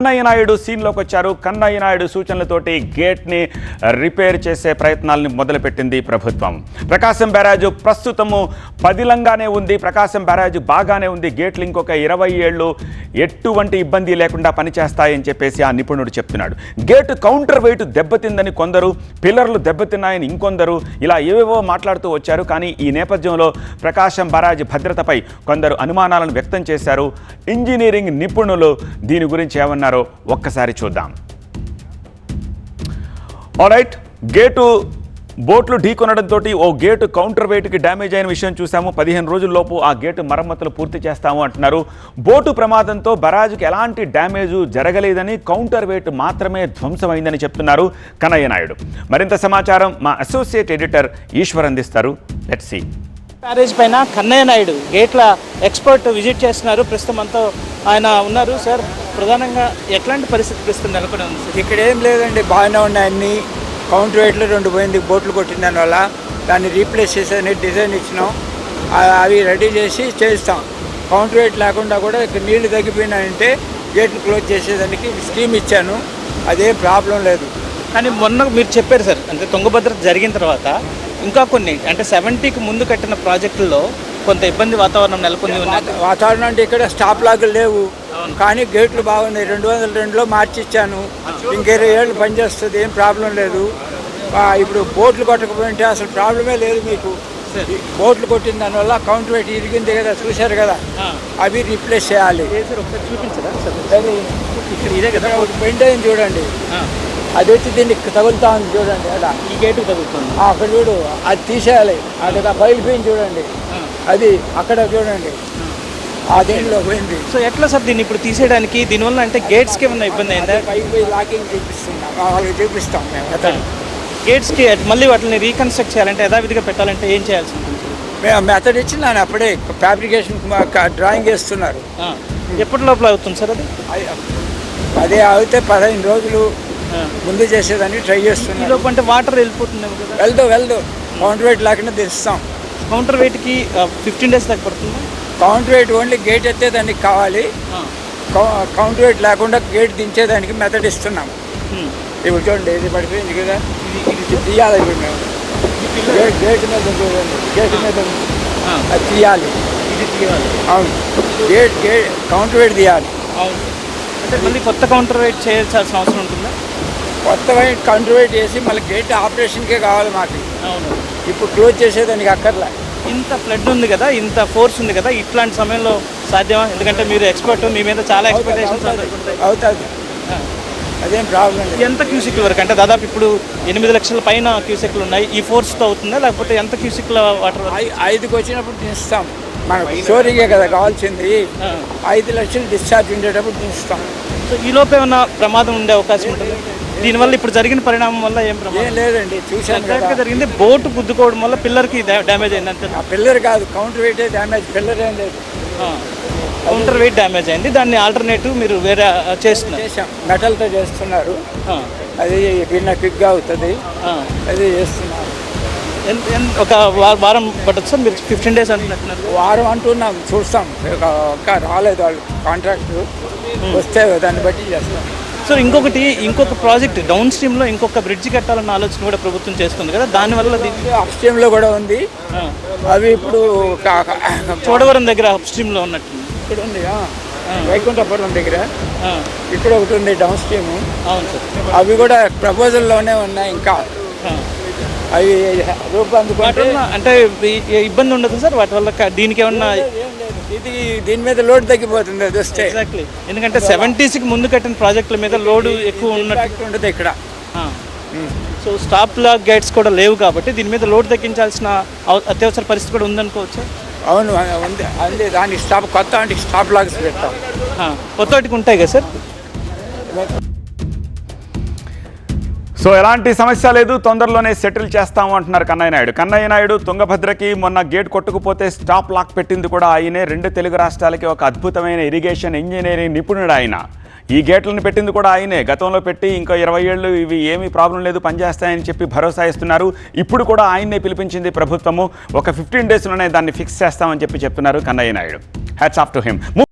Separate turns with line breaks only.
కన్నయ్య నాయుడు సీన్లోకి వచ్చారు. కన్నయ్య నాయుడు సూచనలతోటి గేట్ని రిపేర్ చేసే ప్రయత్నాలను మొదలుపెట్టింది ప్రభుత్వం. ప్రకాశం బ్యారేజ్ ప్రస్తుతము పదిలంగానే ఉంది. ప్రకాశం బ్యారేజ్ బాగానే ఉంది. గేట్లు ఇంకొక 20 ఏళ్ళు ఎటువంటి ఇబ్బంది లేకుండా పనిచేస్తాయని చెప్పేసి ఆ నిపుణుడు చెప్తున్నాడు. గేటు కౌంటర్ వెయిట్ దెబ్బతిందని కొందరు, పిల్లర్లు దెబ్బతిన్నాయని ఇంకొందరు, ఇలా ఏవేవో మాట్లాడుతూ వచ్చారు. కానీ ఈ నేపథ్యంలో ప్రకాశం బ్యారేజ్ భద్రతపై కొందరు అనుమానాలను వ్యక్తం చేశారు. ఇంజనీరింగ్ నిపుణులు దీని గురించి ఏమన్నారు ఒక్కసారి చూద్దాం. ఆల్రైట్, గేటు బోట్లు ఢీకొనడంతో ఓ గేటు కౌంటర్ వెయిట్కి డ్యామేజ్ అయిన విషయం చూసాము. 15 రోజుల్లోపు ఆ గేటు మరమ్మతులు పూర్తి చేస్తాము అంటున్నారు. బోటు ప్రమాదంతో బరాజుకి ఎలాంటి డ్యామేజు జరగలేదని, కౌంటర్ వెయిట్ మాత్రమే ధ్వంసమైందని చెప్తున్నారు కన్నయ్య నాయుడు. మరింత సమాచారం మా అసోసియేట్ ఎడిటర్ ఈశ్వర్ అందిస్తారు. Let's see.
బ్యారేజ్ పైన కన్నయ్య నాయుడు గేట్ల ఎక్స్పర్ట్ విజిట్ చేస్తున్నారు. ప్రస్తుతం అంతా ఆయన ఉన్నారు. సార్, ప్రధానంగా ఎట్లాంటి పరిస్థితి ప్రస్తుతం నెలకొని ఉంది సార్?
ఇక్కడ ఏం లేదండి, బాగానే ఉన్నాయి అన్ని. కౌంటర్ వెయిట్లో 2 పోయింది, బోట్లు కొట్టిన దానివల్ల దాన్ని రీప్లేస్ చేసేదని డిజైన్ ఇచ్చినాం. అవి రెడీ చేసి చేస్తాం. కౌంటర్ వెయిట్ లేకుండా కూడా ఇక్కడ నీళ్లు తగ్గిపోయినాయంటే గేట్లు క్లోజ్ చేసేదానికి స్కీమ్ ఇచ్చాను. అదేం ప్రాబ్లం లేదు.
కానీ మొన్న మీరు చెప్పారు సార్, అంటే తుంగభద్ర జరిగిన తర్వాత ఇంకా కొన్ని, అంటే 70కి ముందు కట్టిన ప్రాజెక్టుల్లో కొంత ఇబ్బంది వాతావరణం నెలకొంది.
వాతావరణం అంటే ఇక్కడ స్టాప్ లాగులు లేవు, కానీ గేట్లు బాగున్నాయి. 2002లో మార్చి ఇచ్చాను. ఇంక 20 ఏళ్ళు పనిచేస్తుంది, ఏం ప్రాబ్లం లేదు. ఇప్పుడు బోట్లు కొట్టకపోయింటే అసలు ప్రాబ్లమే లేదు మీకు. బోట్లు కొట్టిన దానివల్ల కౌంటర్ వెయిట్ ఇరిగింది కదా, చూశారు కదా, అవి రీప్లేస్ చేయాలి.
చూపించరా
ఇక్కడ ఇదే కదా పెయింట్ అయింది చూడండి, అది వచ్చి దీనికి తగులుతా ఉంది చూడండి. అలా
ఈ గేటు తగులుతుంది
అక్కడ చూడు, అది తీసేయాలి. అది బయలుపోయింది చూడండి, అది అక్కడ చూడండి, ఆ దీనిలో పోయింది.
సో ఎట్లా సార్ దీన్ని ఇప్పుడు తీసేయడానికి? దీనివల్ల అంటే గేట్స్కి ఏమన్నా ఇబ్బంది అయిందా?
పైకి పోయి లాకింగ్ చూపిస్తున్నాం, వాళ్ళకి చూపిస్తాం మేము.
గేట్స్కి మళ్ళీ వాటిని రీకన్స్ట్రక్ట్ చేయాలంటే, యథావిధిగా పెట్టాలంటే ఏం చేయాల్సి ఉంటుంది?
మేము మెథడ్ ఇచ్చి నేను అప్పుడే ఫ్యాబ్రికేషన్ డ్రాయింగ్ వేస్తున్నారు.
ఎప్పటి లోపల అవుతుంది సార్ అది?
అదే అయితే 15 రోజులు ముందు చేసేదాన్ని ట్రై చేస్తున్నాం.
ఈలోపు అంటే వాటర్ వెళ్ళిపోతుంది కదా?
వెళ్దు కౌంటర్ వెయిట్ లేకుండా తెస్తాం.
కౌంటర్ వెయిట్కి 15 days దాకా పడుతుంది.
కౌంటర్ వెయిట్ ఓన్లీ గేట్ ఎత్తేదానికి కావాలి. కౌంటర్ వెయిట్ లేకుండా గేట్ దించేదానికి మెథడ్ ఇస్తున్నాం. ఇప్పుడు చూడండి, ఇది పడిపోయింది కదా, ఇది తీయాలి. ఇప్పుడు మేము గేట్ మీద చూడండి, గేట్ మీద అది తీయాలి.
ఇది తీయాలి.
అవును, గేట్ కౌంటర్ వెయిట్ తీయాలి.
అవును, అంటే మళ్ళీ కొత్త కౌంటర్ వెయిట్ చేయాల్సిన అవసరం ఉంటుందా?
కొత్త వెయిట్ కౌంటర్ వెయిట్ చేసి మళ్ళీ గేట్ ఆపరేషన్కే కావాలి మాకు.
అవును,
ఇప్పుడు క్లోజ్ చేసేదానికి అక్కర్లే.
ఇంత ఫ్లడ్ ఉంది కదా, ఇంత ఫోర్స్ ఉంది కదా, ఇట్లాంటి సమయంలో సాధ్యమా? ఎందుకంటే మీరు ఎక్స్పర్ట్, మీ మీద చాలా ఎక్స్పెక్టేషన్స్
అవుతుంది, అదేం ప్రాబ్లం లేదు.
ఎంత క్యూసిక్ల వరకు అంటే దాదాపు ఇప్పుడు 8 లక్షల పైన క్యూసెక్లు ఉన్నాయి. ఈ ఫోర్స్తో అవుతుందా, లేకపోతే ఎంత క్యూసెక్ల వాటర్?
5కి వచ్చినప్పుడు దించుతాం. మనకు స్టోరీకే కదా కావాల్సింది. 5 లక్షలు డిశ్చార్జ్ ఉండేటప్పుడు దించుతాం.
సో ఈ లోపు ఏమైనా ప్రమాదం ఉండే అవకాశం ఉంటుంది? దీనివల్ల ఇప్పుడు జరిగిన పరిణామం వల్ల ఏం ప్రమాదం?
ఏం లేదండి, చూశాను కదా
జరిగింది. బోటు గుద్దుకోవడం వల్ల పిల్లర్కి డ్యామేజ్ అయింది అంతే.
ఆ పిల్లర్ కాదు, కౌంటర్ వెయిటే డ్యామేజ్, పిల్లర్ ఏం లేదు.
కౌంటర్ వెయిట్ డ్యామేజ్ అయింది. దాన్ని ఆల్టర్నేటివ్ మీరు వేరే చేస్తున్నారు?
చేసాం, మెటల్తో చేస్తున్నారు. అది భిన్న క్విక్గా అవుతుంది, అది చేస్తున్నారు.
ఒక వారం పట్టదు సార్? మీరు 15 days అంటున్నారు.
వారం అంటున్నాం, చూస్తాం. ఇంకా రాలేదు వాళ్ళు కాంట్రాక్ట్, వస్తే దాన్ని బట్టి చేస్తాం.
సో ఇంకొక ప్రాజెక్ట్ డౌన్ స్ట్రీమ్లో ఇంకొక బ్రిడ్జ్ కట్టాలన్న ఆలోచన కూడా ప్రభుత్వం చేస్తుంది కదా, దానివల్ల
అప్ స్ట్రీమ్లో కూడా ఉంది. అవి ఇప్పుడు
చోడవరం దగ్గర అప్ స్ట్రీమ్లో ఉన్నట్టు
ఇక్కడ ఉంది, వైకుంఠపురం దగ్గర ఇక్కడ ఒకటి ఉంది డౌన్ స్ట్రీమ్.
అవును సార్,
అవి కూడా ప్రపోజల్లోనే ఉన్నాయి. ఇంకా అవి రూపొందుకుంటే
అంటే ఇబ్బంది ఉండదు సార్ వాటి వల్ల? దీనికి ఏమన్నా
ఇది దీని మీద లోడ్ తగ్గిపోతుంది అది వస్తే.
ఎగ్జాక్ట్లీ, ఎందుకంటే 70కి ముందు కట్టిన ప్రాజెక్టుల మీద లోడ్ ఎక్కువ ఉన్నట్టు
ఉంటుంది ఇక్కడ.
సో స్టాప్ లాక్ గేట్స్ కూడా లేవు కాబట్టి దీని మీద లోడ్ తగ్గించాల్సిన అత్యవసర పరిస్థితి కూడా ఉందనుకోవచ్చు.
అవును, ఉంది. అంతే, దానికి కొత్త వాటికి స్టాప్ లాగ్స్ పెడతాం.
కొత్త వాటికి ఉంటాయి కదా సార్?
సో ఎలాంటి సమస్య లేదు, తొందరలోనే సెటిల్ చేస్తాము అంటున్నారు కన్నయ్య నాయుడు. కన్నయ్య నాయుడు తుంగభద్రకి మొన్న గేట్ కొట్టుకుపోతే స్టాప్ లాక్ పెట్టింది కూడా ఆయనే. 2 తెలుగు రాష్ట్రాలకి ఒక అద్భుతమైన ఇరిగేషన్ ఇంజనీరింగ్ నిపుణుడు ఆయన. ఈ గేట్లను పెట్టింది కూడా ఆయనే. గతంలో పెట్టి ఇంకా 20 ఏళ్ళు ఇవి ఏమీ ప్రాబ్లం లేదు, పనిచేస్తాయని చెప్పి భరోసా ఇస్తున్నారు. ఇప్పుడు కూడా ఆయన్నే పిలిపించింది ప్రభుత్వము. ఒక 15 daysలోనే దాన్ని ఫిక్స్ చేస్తామని చెప్తున్నారు Kannayya Naidu. Hats off to him.